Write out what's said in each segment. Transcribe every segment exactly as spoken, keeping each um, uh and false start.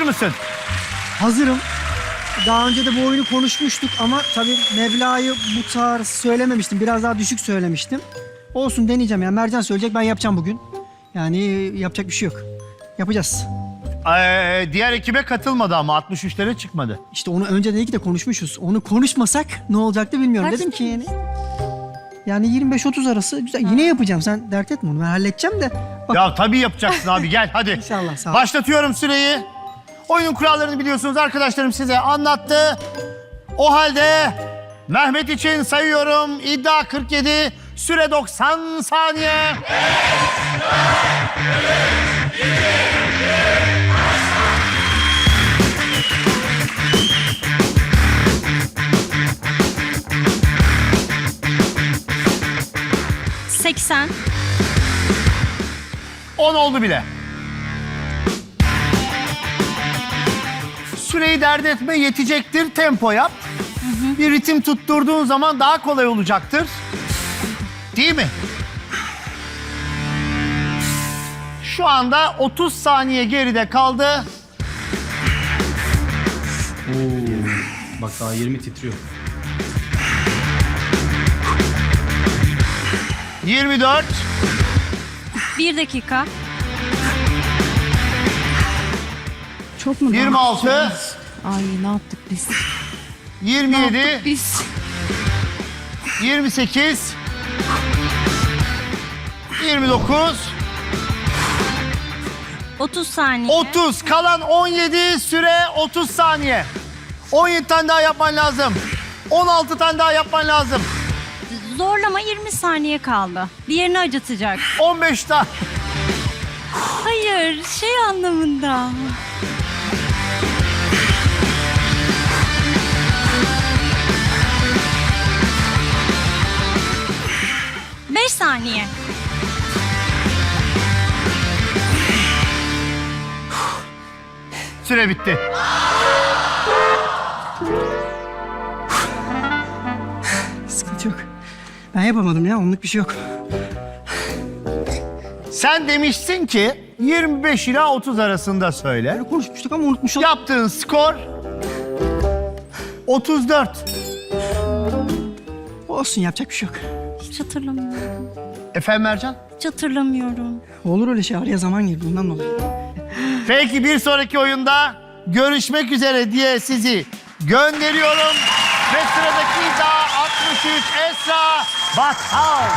mısın? Hazırım. Daha önce de bu oyunu konuşmuştuk ama tabii meblağı bu tarz söylememiştim. Biraz daha düşük söylemiştim. Olsun, deneyeceğim ya. Mercan söyleyecek, ben yapacağım bugün. Yani yapacak bir şey yok. Yapacağız. Ee, diğer ekibe katılmadı ama altmış üçlere çıkmadı. İşte onu önce dedik de konuşmuşuz. Onu konuşmasak ne olacaktı bilmiyorum. Kaç Dedim ki yani. Yani yirmi beş otuz arası güzel. Yine yapacağım. Sen dert etme onu. Ben halledeceğim de. Bak. Ya tabii yapacaksın abi, gel hadi. İnşallah, sağ ol. Başlatıyorum süreyi. Oyunun kurallarını biliyorsunuz, arkadaşlarım size anlattı. O halde Mehmet için sayıyorum. İddia kırk yedi, süre doksan saniye. seksen. on oldu bile. Süreyi dert etme, yetecektir. Tempo yap. Hı hı. Bir ritim tutturduğun zaman daha kolay olacaktır. Değil mi? Şu anda otuz saniye geride kaldı. Oo. Bak daha yirmi titriyor. yirmi dört. Bir dakika. Çok mu? yirmi altı. Ay ne yaptık biz? yirmi Ne yedi. yaptık biz? yirmi sekiz. yirmi dokuz. otuz saniye. otuz. Kalan on yedi. Süre otuz saniye. on yedi tane daha yapman lazım. on altı tane daha yapman lazım. Zorlama, yirmi saniye kaldı. Diğerini acıtacak. on beş tane. Hayır, şey anlamında. Beş saniye. Süre bitti. Sıkıntı yok. Ben yapamadım ya. Onluk bir şey yok. Sen demişsin ki yirmi beş ila otuz arasında söyle. Böyle konuşmuştuk ama unutmuş oldum. Yaptığın skor otuz dört. Olsun, yapacak bir şey yok. Hiç hatırlamıyorum. Efendim Mercan? Hiç hatırlamıyorum. Olur öyle şey. Araya zaman girdi. Bundan dolayı. Peki, bir sonraki oyunda görüşmek üzere diye sizi gönderiyorum. Ve sıradaki iddia altmış üç, Esra Batal.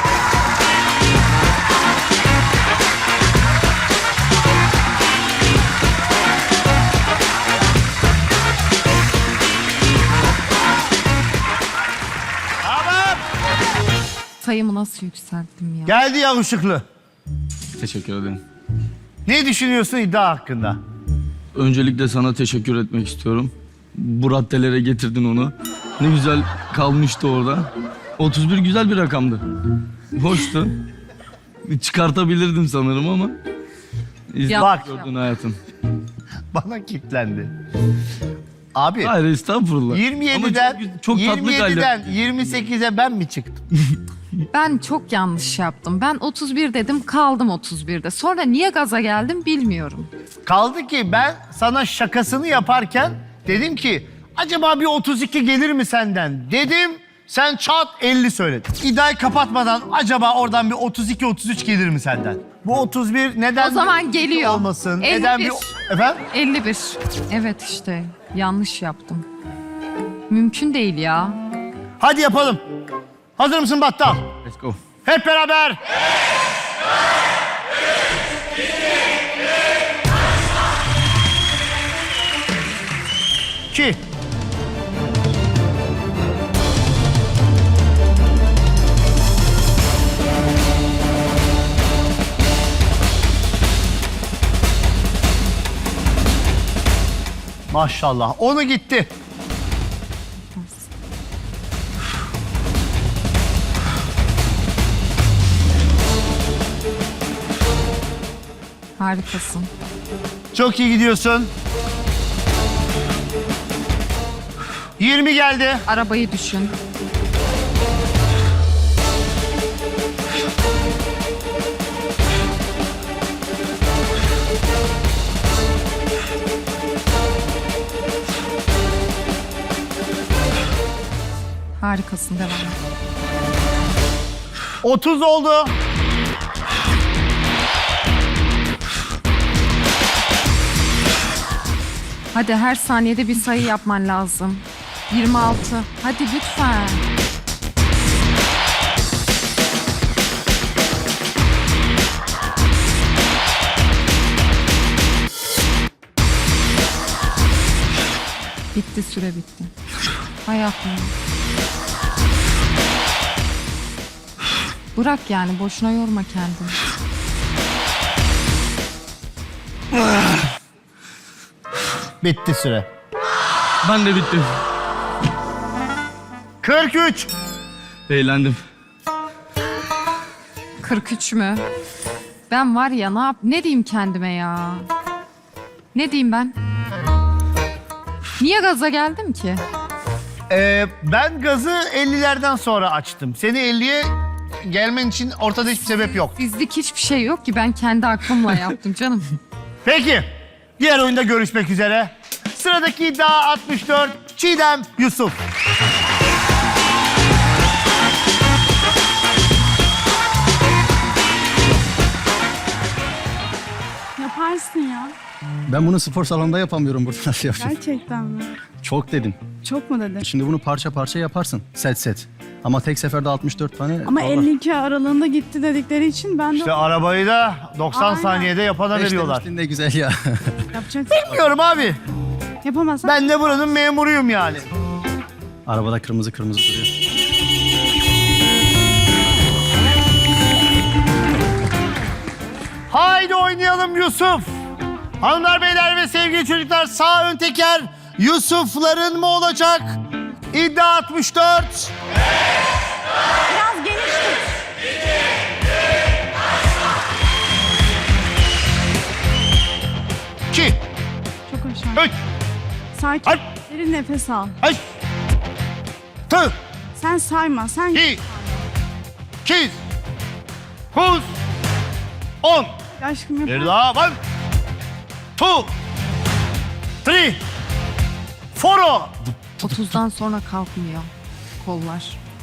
Tamam. Sayımı nasıl yükselttim ya? Geldi ya ışıklı. Teşekkür ederim. Ne düşünüyorsun iddia hakkında? Öncelikle sana teşekkür etmek istiyorum. Bu raddelere getirdin onu. Ne güzel kalmıştı orada. otuz bir güzel bir rakamdı. Hoştu. Çıkartabilirdim sanırım ama. İzle Bak. gördün hayatım. Bana kilitlendi. Abi Hayır estağfurullah. yirmi yediden, Ama çok, çok tatlı yirmi yediden kaldı. yirmi sekize ben mi çıktım? Ben çok yanlış yaptım. Ben otuz bir dedim, kaldım otuz birde. Sonra niye gaza geldim bilmiyorum. Kaldı ki ben sana şakasını yaparken dedim ki acaba bir otuz iki gelir mi senden dedim. Sen çat elli söyledin. İddiayı kapatmadan acaba oradan bir otuz iki otuz üç gelir mi senden? Bu otuz bir neden O zaman bir otuz iki geliyor. olmasın? elli bir. Neden bir efendim? elli bir. Evet işte yanlış yaptım. Mümkün değil ya. Hadi yapalım. Hazır mısın Battal? Let's go. Hep beraber. İki. Maşallah. Onu gitti. Harikasın. Çok iyi gidiyorsun. yirmi geldi. Arabayı düşün. Harikasın, devam et. otuz oldu. Hadi her saniyede bir sayı yapman lazım. yirmi altı. Hadi lütfen. Bitti, süre bitti. Hayatım. Bırak yani, boşuna yorma kendini. Bitti süre. Ben de bittim. kırk üç. Eğlendim. kırk üç mü? Ben var ya, ne yap ne diyeyim kendime ya? Ne diyeyim ben? Niye gaza geldim ki? Ee, ben gazı ellilerden sonra açtım. Seni elliye gelmen için ortada hiçbir sebep yok. Bizlik hiçbir şey yok ki, ben kendi aklımla yaptım canım. Peki. Diğer oyunda görüşmek üzere. Sıradaki iddia altmış dört. Çiğdem Yusuf. Yaparsın ya. Ben bunu spor salonunda yapamıyorum, burada nasıl yapacağım? Gerçekten mi? Çok dedim. Çok mu dedin? Şimdi bunu parça parça yaparsın, set set. Ama tek seferde altmış dört tane... Ama Allah. elli iki aralığında gitti dedikleri için ben de İşte arabayı da doksan Aynen. saniyede yapana Beş veriyorlar. demiştin, ne güzel ya. yapacaksın. Bilmiyorum abi. Yapamazsan Ben de buranın memuruyum yani. Arabada kırmızı kırmızı duruyor. Haydi oynayalım Yusuf. Hanımlar, beyler ve sevgili çocuklar, sağ ön teker Yusuf'ların mı olacak? İddia altmış dört. biraz geniş tut. iki, Çok aşağı. üç, Sakin. Ay. Derin nefes al. beş, altı, Sen sayma. Sen yedi, sekiz, dokuz, on. aşkım yapar. Bir daha. One, two, three, four. otuzdan sonra kalkmıyor kollar.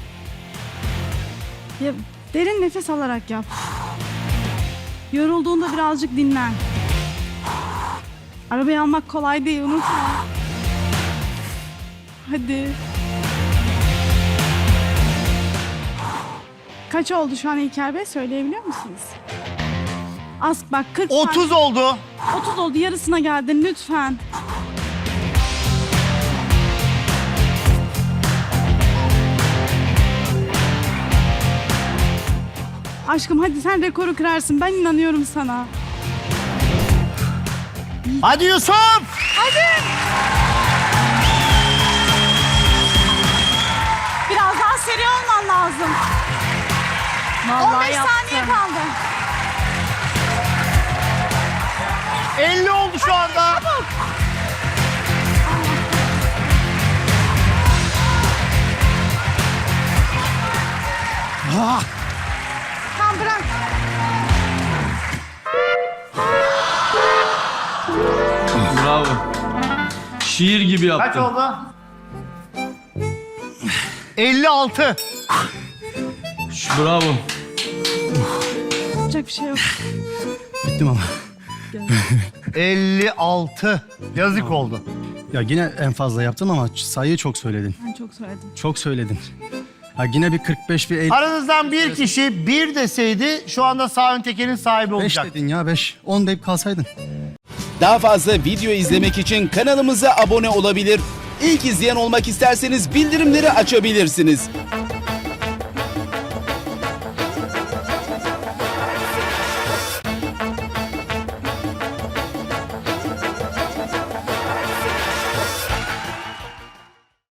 Ya, derin nefes alarak yap. Yorulduğunda birazcık dinlen. Arabayı almak kolay değil, unutma. Hadi. Kaç oldu şu an İlker Bey? Söyleyebiliyor musunuz? Az bak, kırk saniye. otuz oldu. otuz oldu, yarısına geldin lütfen. Aşkım hadi, sen rekoru kırarsın, ben inanıyorum sana. Hadi Yusuf. Hadi. Biraz daha seri olman lazım. Vallahi on beş saniye yaptım. kaldı. elli oldu şu anda. Çabuk. Tamam, bırak. Bravo. Şiir gibi Kaç yaptın. oldu? elli altı. Bravo. Yapacak bir şey yok. Bittim ama. elli altı. Yazık oldu. Ya yine en fazla yaptım ama sayıyı çok söyledin. Ben çok söyledim. Çok söyledin. Ha yine bir kırk beş, bir elli. Aranızdan bir kişi bir deseydi şu anda sağ ön tekerin sahibi beş olacak. dedin ya, beş. on deyip kalsaydın. Daha fazla video izlemek için kanalımıza abone olabilir. İlk izleyen olmak isterseniz bildirimleri açabilirsiniz.